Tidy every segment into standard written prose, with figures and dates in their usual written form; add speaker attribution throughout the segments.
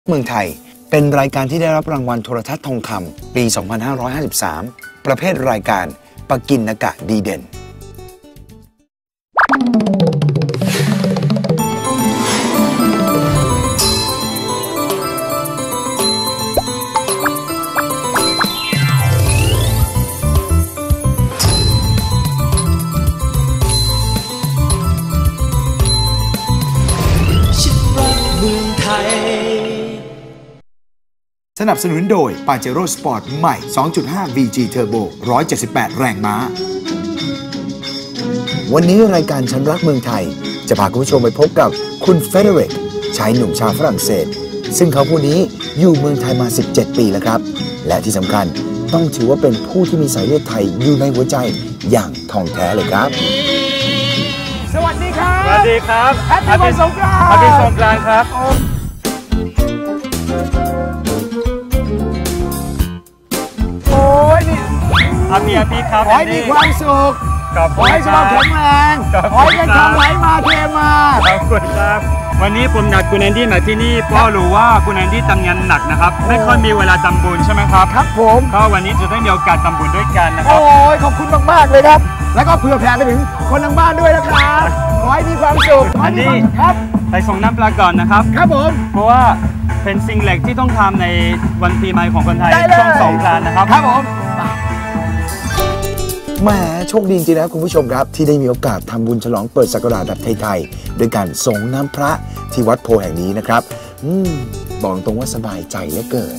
Speaker 1: เมืองไทยเป็นรายการที่ได้รับรางวัลโทรทัศน์ทองคำปี 2553 ประเภทรายการปกิณกะดีเด่นสนับสนุนโดย Pajero Sport ใหม่ 2.5 VG Turbo 178 แรงม้าวันนี้รายการฉันรักเมืองไทยจะพาคุณผู้ชมไปพบกับคุณเฟเดริกชายหนุ่มชาวฝรั่งเศสซึ่งเขาผู้นี้อยู่เมืองไทยมา 17 ปีแล้วครับและที่สำคัญต้องถือว่าเป็นผู้ที่มีสายเลือดไทยอยู่ในหัวใจอย่างทองแท้เลยครับ
Speaker 2: สวัสดีครับ
Speaker 3: สวัสดีครับ
Speaker 2: แฮปปี้วันสงกรานต์
Speaker 3: แฮปปี้สงกรานต์ครับอาเมียพี่ครับ
Speaker 2: ขอให้มีความสุขขอให้สุขภาพแข็งแรงขอให้เงินทองไหลมาเทมา
Speaker 3: ขอบคุณครับวันนี้ผมนัดคุณแอนดี้มาที่นี่เพราะรู้ว่าคุณแอนดี้ทำงานหนักนะครับไม่ค่อยมีเวลาทำบุญใช่ไหมครับ
Speaker 2: ครับผม
Speaker 3: ก็วันนี้จะได้มีโอกาสทำบุญด้วยกันนะครับ
Speaker 2: โอ้ยขอบคุณมากๆเลยครับแล้วก็เผื่อแผ่ไปถึงคนทางบ้านด้วยนะครับขอให้มีความสุข
Speaker 3: อันนี้
Speaker 2: ครับ
Speaker 3: ไปส่งน้ำปลาก่อนนะครับ
Speaker 2: ครับผม
Speaker 3: เพราะว่าเป็นสิ่งเล็กที่ต้องทำในวันปีใหม่ของคนไทยช่วงสงกรานต์นะครับ
Speaker 2: ครับผม
Speaker 1: แหมโชคดีจริงๆนะคุณผู้ชมครับที่ได้มีโอกาสทำบุญฉลองเปิดศักราชแบบไทยๆโดยการส่งน้ำพระที่วัดโพแห่งนี้นะครับบอกตรงว่าสบายใจเหลือเกิน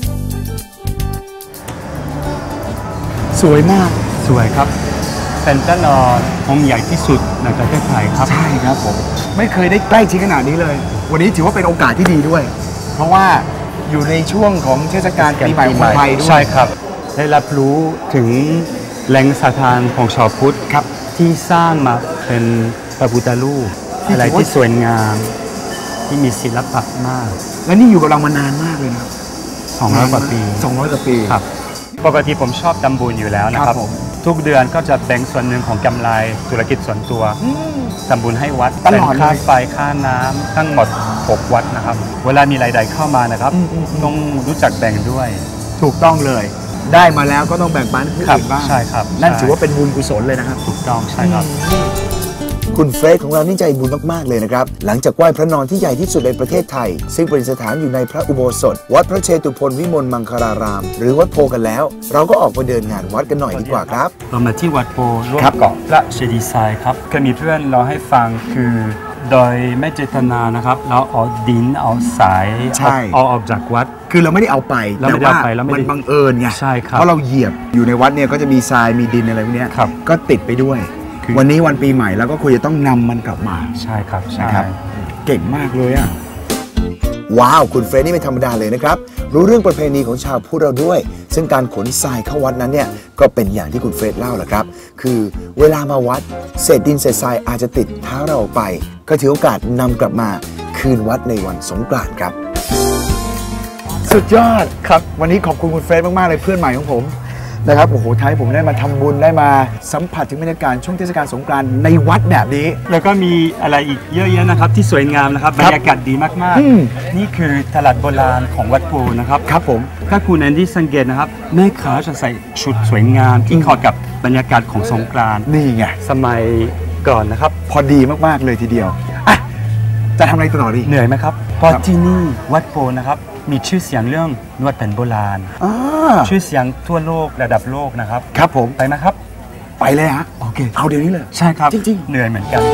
Speaker 2: สวยมาก
Speaker 3: สวยครับเป็นต้นองค์ใหญ่ที่สุดในประเทศไทยครับ
Speaker 2: ใช่ครับผมไม่เคยได้ใกล้ชิดขนาดนี้เลยวันนี้ถือว่าเป็นโอกาสที่ดีด้วยเพราะว่าอยู่ในช่วงของเทศกาลปีใหม่ของไทยด้วย
Speaker 3: ใช่ครับได้รับรู้ถึงแหล่งสถานของชาวพุทธครับที่สร้างมาเป็นพระพุทธรูปอะไรที่สวยงามที่มีศิลปะมาก
Speaker 2: และนี่อยู่กับเรามานานมากเลยนะ
Speaker 3: 200 กว่าปี
Speaker 2: 200 กว่าปี
Speaker 3: ครับปกติผมชอบทำบุญอยู่แล้วนะครับทุกเดือนก็จะแบ่งส่วนหนึ่งของกำไรธุรกิจส่วนตัวทำบุญให้วัดเป็นค่าไฟค่าน้ำทั้งหมด6 วัดนะครับเวลามีรายได้เข้ามานะครับต้องรู้จักแบ่งด้วย
Speaker 2: ถูกต้องเลยได้มาแล้วก็ต้องแบ่งปันให้ผู้อื่นบ้าง
Speaker 3: ใช่ครับ
Speaker 2: นั่นถือว่าเป็นบุญกุศลเลยนะครับ
Speaker 3: ถูกต้องใช่ครับ
Speaker 1: คุณเฟรดของเรานี่ใจบุญมากๆเลยนะครับหลังจากไหว้พระนอนที่ใหญ่ที่สุดในประเทศไทยซึ่งประดิษฐานอยู่ในพระอุโบสถวัดพระเชตุพนวิมลมังคลารามหรือวัดโพกันแล้วเราก็ออกมาเดินงานวัดกันหน่อยดีกว่าครับ
Speaker 3: เรามาที่วัดโพร่วมเกาะพระเจดีย์ทรายครับเคยมีเพื่อนเราให้ฟังคือโดยไม่เจตนานะครับเราเอาดินเอาสายเอาออกจากวัด
Speaker 1: คือเราไม่ได้เอาไปแต่ว่ามันบังเอิญไง
Speaker 3: ใช่ครับ
Speaker 1: เพราะเราเหยียบอยู่ในวัดเนี่ยก็จะมีทรายมีดินอะไรพวกนี้ก็ติดไปด้วยวันนี้วันปีใหม่แล้วก็ควรจะต้องนำมันกลับมา
Speaker 3: ใช่ครับ
Speaker 1: นะครับเก่งมากเลยอ่ะว้าวคุณเฟรดนี่ไม่ธรรมดาเลยนะครับรู้เรื่องประเพณีของชาวพุทธเราด้วยซึ่งการขนทรายเข้าวัดนั้นเนี่ยก็เป็นอย่างที่คุณเฟรดเล่าแหละครับคือเวลามาวัดเศษดินเศษทรายอาจจะติดเท้าเราไปก็ถือโอกาสนำกลับมาคืนวัดในวันสงกรานต์ครับสุดยอดครับวันนี้ขอบคุณคุณเฟรดมากๆเลยเพื่อนใหม่ของผมนะครับโอ้โหท้ายผมได้มาทำบุญได้มาสัมผัสถึงบรรยากาศช่วงเทศกาลสงกรานต์ในวัดแบบนี้
Speaker 3: แล้วก็มีอะไรอีกเยอะแยะนะครับที่สวยงามนะครับบรรยากาศดีมากๆนี่คือตลาดโบราณของวัดโพนะครับ
Speaker 1: ครับผม
Speaker 3: ถ้าคุณแอนดี้สังเกตนะครับแม่ค้าจะใส่ชุดสวยงามที่เข้ากับบรรยากาศของสงกรานต์
Speaker 1: นี่ไง
Speaker 3: สมัยก่อนนะครับ
Speaker 1: พอดีมากๆเลยทีเดียวอ่ะจะทำอะไรต่อดี
Speaker 3: เหนื่อยไหมครับเพราะที่นี่วัดโพนะครับมีชื่อเสียงเรื่องนวดแผนโบราณชื่อเสียงทั่วโลกระดับโลกนะครับ
Speaker 1: ครับผม
Speaker 3: ไปไหมครับ
Speaker 1: ไปเลยฮะโอเคเอาเดี๋ยวนี้เลย
Speaker 3: ใช่ครับ
Speaker 1: จริง
Speaker 3: ๆเหนื่อยเหมือนกัน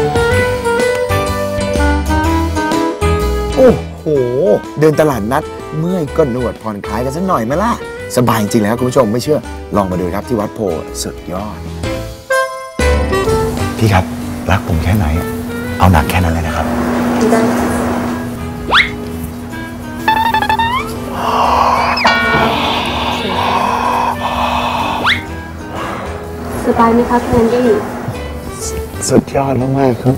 Speaker 1: โอ้โหเดินตลาดนัดเมื่อยก็นวดผ่อนคลายกันสักหน่อยไหมล่ะสบายจริงแล้วคุณผู้ชมไม่เชื่อลองมาดูครับที่วัดโพสุดยอดพี่ครับรักผมแค่ไหนเอาหนักแค่นั้นเลยนะครับได้
Speaker 4: สบายไหมครับแอนดี้
Speaker 1: สุดยอดมากๆครับ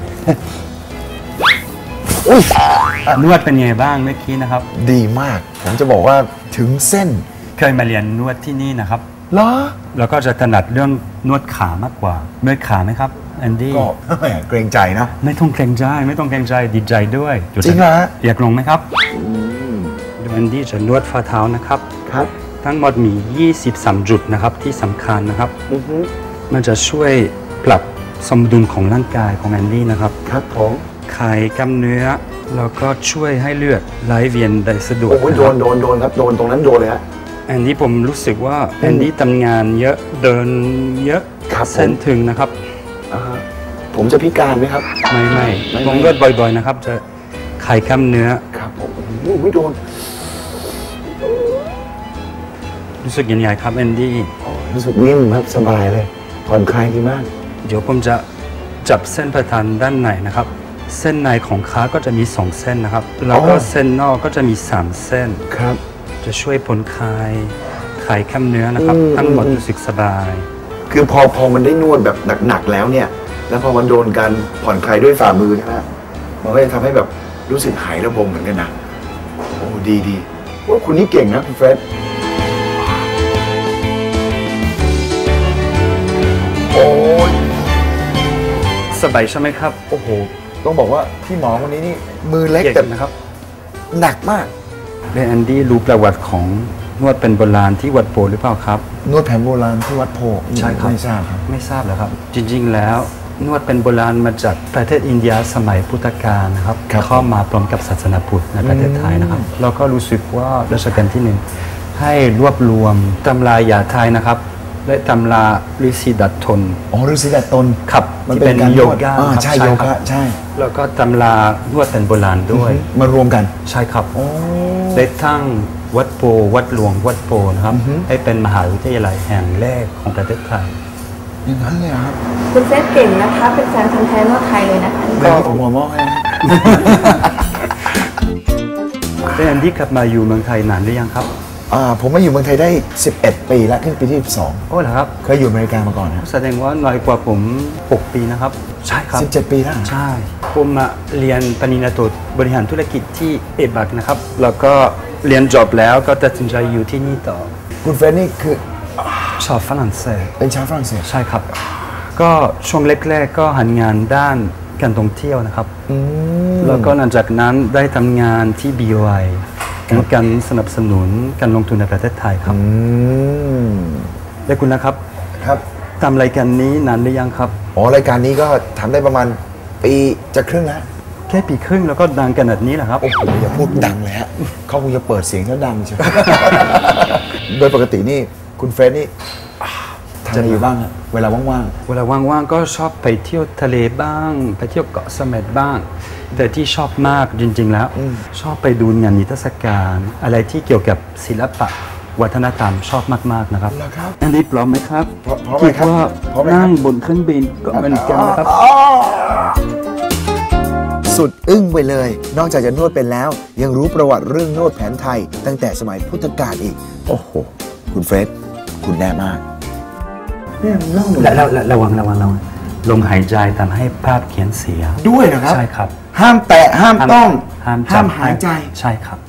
Speaker 3: นวดเป็นไงบ้างเมื่อกี้นะครับ
Speaker 1: ดีมากผมจะบอกว่าถึงเส้น
Speaker 3: เคยมาเรียนนวดที่นี่นะครับ
Speaker 1: เหรอ
Speaker 3: แล้วก็จะถนัดเรื่องนวดขามากกว่าเมื่อยขาไหมครับแอนดี้
Speaker 1: ก็เกรงใจนะ
Speaker 3: ไม่ต้องเกรงใจดีใจด้วย
Speaker 1: จริงเหรอ
Speaker 3: อยากลงไหมครับอนดี้จะนวดฝ่าเท้านะครับ
Speaker 2: ครับ
Speaker 3: ทั้งหมดมี 23 จุดนะครับที่สำคัญนะครับ
Speaker 2: อือฮึ
Speaker 3: มันจะช่วยปรับสมดุลของร่างกายของแอนดี้นะครับ
Speaker 2: ครับผม
Speaker 3: คลายกล้ามเนื้อแล้วก็ช่วยให้เลือดไหลเวียนได้สะดวก
Speaker 2: โอ้โห
Speaker 3: นะ
Speaker 2: โด
Speaker 3: ครับ
Speaker 2: นครับโดนตรงนั้นโดนเลยฮะ
Speaker 3: แอนดี้ผมรู้สึกว่าแอนดี้ทำงานเยอะเดินเยอะ
Speaker 2: ครับผม
Speaker 3: เส้นถึงนะครับ
Speaker 2: อ่าฮะผมจะพิการไหมครับ
Speaker 3: ไม่
Speaker 2: ไม่
Speaker 3: ผมก็บ่อยๆนะครับ จะคลายกล้ามเนื้อ
Speaker 2: ครับผมโอ้โหไม่โดน
Speaker 3: รู้สึกยังไงครับแอนดี้
Speaker 2: รู้สึกนิ่มครับสบายเลยผ่อนคลายดีมาก
Speaker 3: เดี๋ยวผมจะจับเส้นประธานด้านในนะครับ เส้นในของขาก็จะมี2เส้นนะครับ แล้วก็เส้นนอกก็จะมี3เส้น
Speaker 2: ครับ
Speaker 3: จะช่วยผ่อนคลายคลายกล้ามเนื้อนะครับ ทั้งหมดรู้สึกสบาย
Speaker 2: คือพอมันได้นวดแบบหนักๆแล้วเนี่ย แล้วพอมันโดนการผ่อนคลายด้วยฝ่ามือใช่ไหมมันก็จะทำให้แบบรู้สึกหายระบมเหมือนกันนะโอ้ดีว่าคุณนี่เก่งนะคุณเฟรดโอ้ย
Speaker 3: สบายใช่ไหมครับ
Speaker 2: โอ้โหต้องบอกว่าพี่หมอคนนี้นี่มือเล็ก
Speaker 3: เก่ง
Speaker 2: แต่
Speaker 3: นะครับ
Speaker 2: หนักมาก
Speaker 3: และแอนดี้รู้ประวัติของนวดเป็นโบราณที่วัดโพหรือเปล่าครับ
Speaker 2: นวดแผนโบราณที่วัดโพ
Speaker 3: ใช่ครับ
Speaker 2: ไม่ทราบครับ
Speaker 3: ไม่ทราบเหรอครับ จริงๆแล้วนวดเป็นโบราณมาจากประเทศอินเดียสมัยพุทธกาลนะครับ
Speaker 2: ครับ
Speaker 3: เข้ามาพร้อมกับศาสนาพุทธในประเทศไทยนะครับแล้วก็รู้สึกว่ารัชกาลที่หนึ่งให้รวบรวมตำรายาไทยนะครับ และตำราฤาษีดัดทน
Speaker 2: อ๋อฤาษีดัดตน
Speaker 3: ครับ
Speaker 2: มัน
Speaker 3: ที่
Speaker 2: เป็นการ
Speaker 3: โย
Speaker 2: นวด
Speaker 3: คะ
Speaker 2: อ่า
Speaker 3: ครับ
Speaker 2: ใช่โย
Speaker 3: ครั
Speaker 2: คะ
Speaker 3: บ
Speaker 2: ใช่
Speaker 3: แล้วก็ตำรานวดเป็นโบราณด้วย
Speaker 2: มารวมกัน
Speaker 3: ใช่ครับ
Speaker 2: โอ้
Speaker 3: ได้ทั้งวัดโพวัดหลวงวัดโพนะครับให้เป็นมหาวิทยาลัยแห่งแรกของประเทศไทย
Speaker 2: อย่างนั้นเลยเหรอครับ
Speaker 4: คุณเฟสเก่งนะคะ เป็นแฟนพันธุ์แท้นวดไทยเลยนะคะ
Speaker 2: เดี๋ยวนี้ผมหัวหม้อให้นะ
Speaker 3: แล้วแอนดี้กลับมาอยู่เมืองไทยนานหรือยังครับ
Speaker 2: ผมมาอยู่เมืองไทยได้ 11 ปีแล้วขึ้นปีที่ 12
Speaker 3: โอ้เหรอครับ
Speaker 2: เคยอยู่อเมริกามาก่อนนะ
Speaker 3: แสดงว่าน้อยกว่าผม 6 ปีนะครับ ใช่ครับ
Speaker 2: 17 ปีแล้ว
Speaker 3: ใช่ ผมมาเรียนปริญญาโทบริหารธุรกิจที่เอบักนะครับ แล้วก็เรียนจบแล้วก็ตัดสินใจอยู่ที่นี่ต่อ
Speaker 2: คุณเฟรนนี่คือ
Speaker 3: ชอบฝรั่งเศส
Speaker 2: เป็นชาวฝรั่งเศส
Speaker 3: ใช่ครับ ก็ช่วงแรกๆก็หันงานด้านการท่องเที่ยวนะครับ แล้วก็หลังจากนั้นได้ทำงานที่ BOI เป็นการสนับสนุนการลงทุนในประเทศไทยครับ และคุณนะครับ
Speaker 2: ครับ
Speaker 3: ทำรายการนี้นานหรือยังครับ
Speaker 2: อ๋อรายการนี้ก็ทำได้ประมาณปีจะครึ่งแล้ว
Speaker 3: แค่ปีครึ่งแล้วก็ดังขนาดนี้แหละครับ
Speaker 2: โอ้โหอย่าพูดดังเลยฮะเขาคงจะเปิดเสียงแล้วดังใช่ไหม โดยปกตินี่คุณเฟรนนี่ทำอะไรอยู่บ้างฮะเวลาว่าง
Speaker 3: เวลาว่างๆก็ชอบไปเที่ยวทะเลบ้าง ไปเที่ยวเกาะเสม็ดบ้าง แต่ที่ชอบมากจริงๆแล้ว ชอบไปดูงานนิทรรศการ อะไรที่เกี่ยวกับศิลปะวัฒนธรรมชอบมากๆนะครับ
Speaker 2: ๆนะครับ
Speaker 3: อันนี้พร้อมไหมครับ
Speaker 2: พร้อมไหมครับ
Speaker 3: ดว่า
Speaker 2: พร้อมไหมครับ
Speaker 3: นั่งบนเครื่องบินก็เหมือนกันนะครับ
Speaker 1: สุดอึ้งไปเลย นอกจากจะนวดเป็นแล้ว ยังรู้ประวัติเรื่องนวดแผนไทย ตั้งแต่สมัยพุทธกาลอีก โอ้โห คุณเฟรดคุณแน่มาก
Speaker 3: แล้วระวังลมหายใจทำให้ภาพเขียนเสีย
Speaker 2: ด้วยนะครับ
Speaker 3: ใช่ครับ
Speaker 2: ห้ามแตะห้ามต้อง
Speaker 3: ห้าม
Speaker 2: ห้ามหายใจ
Speaker 3: ใช่ครับ